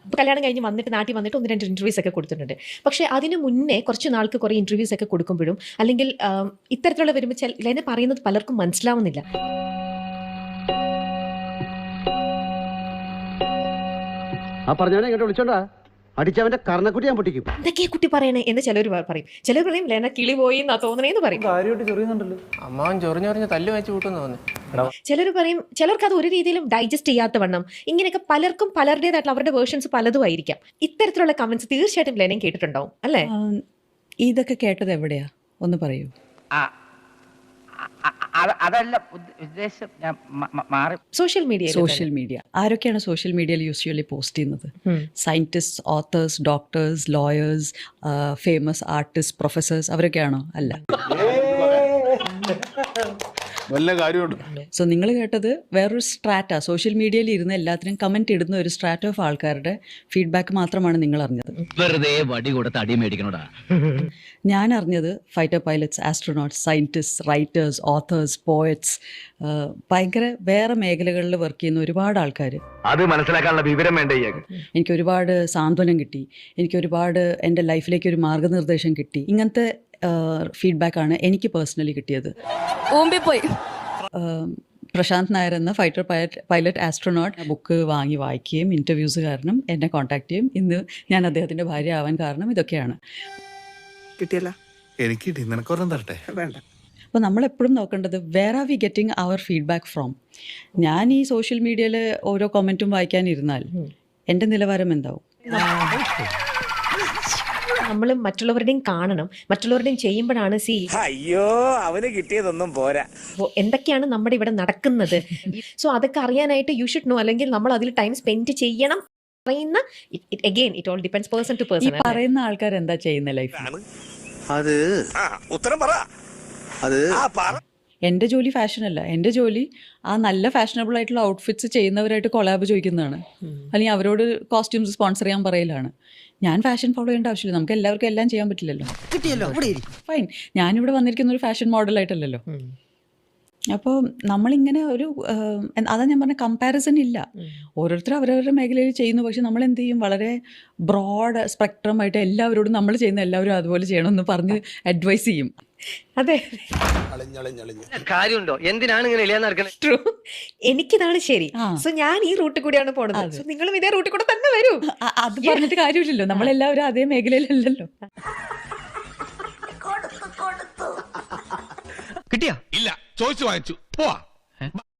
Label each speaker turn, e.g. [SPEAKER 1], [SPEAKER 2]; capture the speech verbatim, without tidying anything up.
[SPEAKER 1] ഇപ്പോൾ കല്യാണം കഴിഞ്ഞ് വന്നിട്ട് നാട്ടിൽ വന്നിട്ട് ഒന്ന് രണ്ട് ഇൻ്റർവ്യൂസ് ഒക്കെ കൊടുത്തിട്ടുണ്ട്. പക്ഷേ അതിന് മുന്നേ കുറച്ച് നാൾക്ക് കുറേ ഇൻ്റർവ്യൂസ് ഒക്കെ കൊടുക്കുമ്പോഴും അല്ലെങ്കിൽ ആം, ഇത്തരത്തിലുള്ള വരുമ്പോൾ ചില ലെന പറയുന്നത് പലർക്കും മനസ്സിലാവുന്നില്ല.
[SPEAKER 2] ആ പറഞ്ഞവനെ ഇങ്ങോട്ട് വിളിച്ചോണ്ടാ അടിച്ചവന്റെ കർണക്കുട്ടി ഞാൻ പൊട്ടിക്കും.
[SPEAKER 1] എന്തൊക്കെയാ കുട്ടി പറയണേ എന്ന് ചിലർ പറയും. ചിലർ പറയും ലെന കിളി പോയി എന്നാ തോന്നണേന്ന് പറയും.
[SPEAKER 3] കാര്യമായിട്ട് ചൊറിയുന്നുണ്ടല്ലോ.
[SPEAKER 4] അമ്മാവൻ ചൊറിഞ്ഞൊറിഞ്ഞ് തല്ല് വെച്ച് കൂട്ടുന്നു തോന്നുന്നു.
[SPEAKER 1] ചിലർ പറയും ചിലർക്ക് അത് ഒരു രീതിയിലും ഡൈജസ്റ്റ് ചെയ്യാത്ത വണ്ണം. ഇങ്ങനെയൊക്കെ പലർക്കും പലരുടേതായിട്ടുള്ള അവരുടെ വേർഷൻസ് പലതും ആയിരിക്കാം. ഇത്തരത്തിലുള്ള കമന്റ്സ് തീർച്ചയായിട്ടും ലെനയും കേട്ടിട്ടുണ്ടാവും അല്ലേ?
[SPEAKER 5] ആ, ഇതൊക്കെ കേട്ടത് എവിടെയാ ഒന്ന് പറയൂ.
[SPEAKER 6] അതല്ല ഉദ്ദേശം, ഞാൻ മാറി.
[SPEAKER 1] സോഷ്യൽ മീഡിയ
[SPEAKER 5] സോഷ്യൽ മീഡിയ ആരൊക്കെയാണ് സോഷ്യൽ മീഡിയയിൽ യൂസ്വലി പോസ്റ്റ് ചെയ്യുന്നത്? Scientist, authors, doctors, lawyers, famous artist, professors അവരൊക്കെയാണോ? അല്ല.
[SPEAKER 3] വല്ല കാര്യമുണ്ട്.
[SPEAKER 5] സോ നിങ്ങൾ കേട്ടത് വേറൊരു സ്ട്രാറ്റ, സോഷ്യൽ മീഡിയയിൽ ഇരുന്ന് എല്ലാത്തിനും കമന്റ് ഇടുന്ന ഒരു സ്ട്രാറ്റ ഓഫ് ആൾക്കാരുടെ ഫീഡ്ബാക്ക് മാത്രമാണ് നിങ്ങൾ അറിഞ്ഞത്.
[SPEAKER 7] വെറുതെ വടി കൊടുത്ത് അടി മേടിക്കണോടാ.
[SPEAKER 5] ഞാൻ അറിഞ്ഞത് fighter pilots, astronauts, scientist, writers, authors, poets, ഭയങ്കര വേറെ മേഖലകളിൽ വർക്ക് ചെയ്യുന്ന ഒരുപാട് ആൾക്കാർ.
[SPEAKER 7] അത് മനസ്സിലാക്കാനുള്ള വിവരം വേണ്ടേ?
[SPEAKER 5] എനിക്ക് ഒരുപാട് സാന്ത്വനം കിട്ടി, എനിക്ക് ഒരുപാട് എൻ്റെ ലൈഫിലേക്ക് ഒരു മാർഗനിർദ്ദേശം കിട്ടി. ഇങ്ങനത്തെ ഫീഡ്ബാക്കാണ് എനിക്ക് പേഴ്സണലി കിട്ടിയത്. പ്രശാന്ത് നായർ എന്ന fighter pilot pilot astronaut book വാങ്ങി വായിക്കുകയും ഇൻ്റർവ്യൂസ് കാരണം എന്നെ കോൺടാക്ട് ചെയ്യും. ഇന്ന് ഞാൻ അദ്ദേഹത്തിൻ്റെ ഭാര്യ ആവാൻ കാരണം ഇതൊക്കെയാണ്.
[SPEAKER 8] കിട്ടിയല്ല
[SPEAKER 3] എനിക്ക് കിട്ടി, നിനക്കൊരെണ്ണം തരട്ടെ?
[SPEAKER 8] വേണ്ട.
[SPEAKER 5] അപ്പോൾ നമ്മളെപ്പോഴും നോക്കേണ്ടത് where are we getting our feedback from. ഞാൻ ഈ സോഷ്യൽ മീഡിയയിൽ ഓരോ കമൻറ്റും വായിക്കാനിരുന്നാൽ എൻ്റെ നിലവാരം എന്താവും?
[SPEAKER 1] നമ്മൾ മറ്റുള്ളവരുടെയും കാണണം, മറ്റുള്ളവരുടെയും ചെയ്യുമ്പോഴാണ് സി
[SPEAKER 8] അയ്യോ അവന് കിട്ടിയതൊന്നും പോരാ.
[SPEAKER 1] എന്തൊക്കെയാണ് നമ്മുടെ ഇവിടെ നടക്കുന്നത്. സോ അതൊക്കെ അറിയാനായിട്ട് യു ഷുഡ് നോ, അല്ലെങ്കിൽ നമ്മൾ അതിൽ ടൈം സ്പെൻഡ് ചെയ്യണം. പറയുന്ന again it all depends person to
[SPEAKER 5] ഈ
[SPEAKER 1] പേഴ്സൺ.
[SPEAKER 5] പറയുന്ന ആൾക്കാർ എന്താ ചെയ്യുന്ന ലൈഫിൽ?
[SPEAKER 8] അത് ഉത്തരം പറ. അത്
[SPEAKER 5] എൻ്റെ ജോലി ഫാഷനല്ല. എൻ്റെ ജോലി ആ നല്ല ഫാഷനബിൾ ആയിട്ടുള്ള ഔട്ട്ഫിറ്റ്സ് ചെയ്യുന്നവരായിട്ട് കൊളാബ് ചോദിക്കുന്നതാണ്, അല്ലെങ്കിൽ അവരോട് കോസ്റ്റ്യൂംസ് സ്പോൺസർ ചെയ്യാൻ പറയലാണ്. ഞാൻ ഫാഷൻ ഫോളോ ചെയ്യേണ്ട ആവശ്യമില്ല. നമുക്ക് എല്ലാവർക്കും എല്ലാം ചെയ്യാൻ പറ്റില്ലല്ലോ.
[SPEAKER 8] കിട്ടിയല്ലോ.
[SPEAKER 5] ഫൈൻ, ഞാനിവിടെ വന്നിരിക്കുന്ന ഒരു ഫാഷൻ മോഡലായിട്ടല്ലല്ലോ. അപ്പോൾ നമ്മളിങ്ങനെ ഒരു അതാ ഞാൻ പറഞ്ഞ കമ്പാരിസൺ ഇല്ല. ഓരോരുത്തരും അവരവരുടെ മേഖലയിൽ ചെയ്യുന്നു. പക്ഷെ നമ്മൾ എന്ത് ചെയ്യും, വളരെ ബ്രോഡ് സ്പെക്ട്രം ആയിട്ട് എല്ലാവരോടും നമ്മൾ ചെയ്യുന്ന എല്ലാവരും അതുപോലെ ചെയ്യണമെന്ന് പറഞ്ഞ് അഡ്വൈസ് ചെയ്യും.
[SPEAKER 1] അതെ,
[SPEAKER 7] കാര്യമുണ്ടോ? എന്തിനാണ് ഇങ്ങനെ ഇല്ലാന്ന് നടക്കുന്നത്?
[SPEAKER 1] ട്രൂ. എനിക്കിതാണ് ശരി.
[SPEAKER 5] ആ.
[SPEAKER 1] സോ ഞാൻ ഈ റൂട്ടിൽ കൂടിയാണ് പോണത്. സോ നിങ്ങളും ഇതേ റൂട്ടിൽ കൂടെ തന്നെ വരൂ.
[SPEAKER 5] അ- അത് പറഞ്ഞിട്ട് കാര്യമില്ലല്ലോ, നമ്മളെല്ലാവരും അതേ മേഖലയിലല്ലല്ലോ.
[SPEAKER 7] കിട്ടിയാ?
[SPEAKER 3] ഇല്ല, ചോദിച്ചു വാങ്ങിച്ചു പോവാ.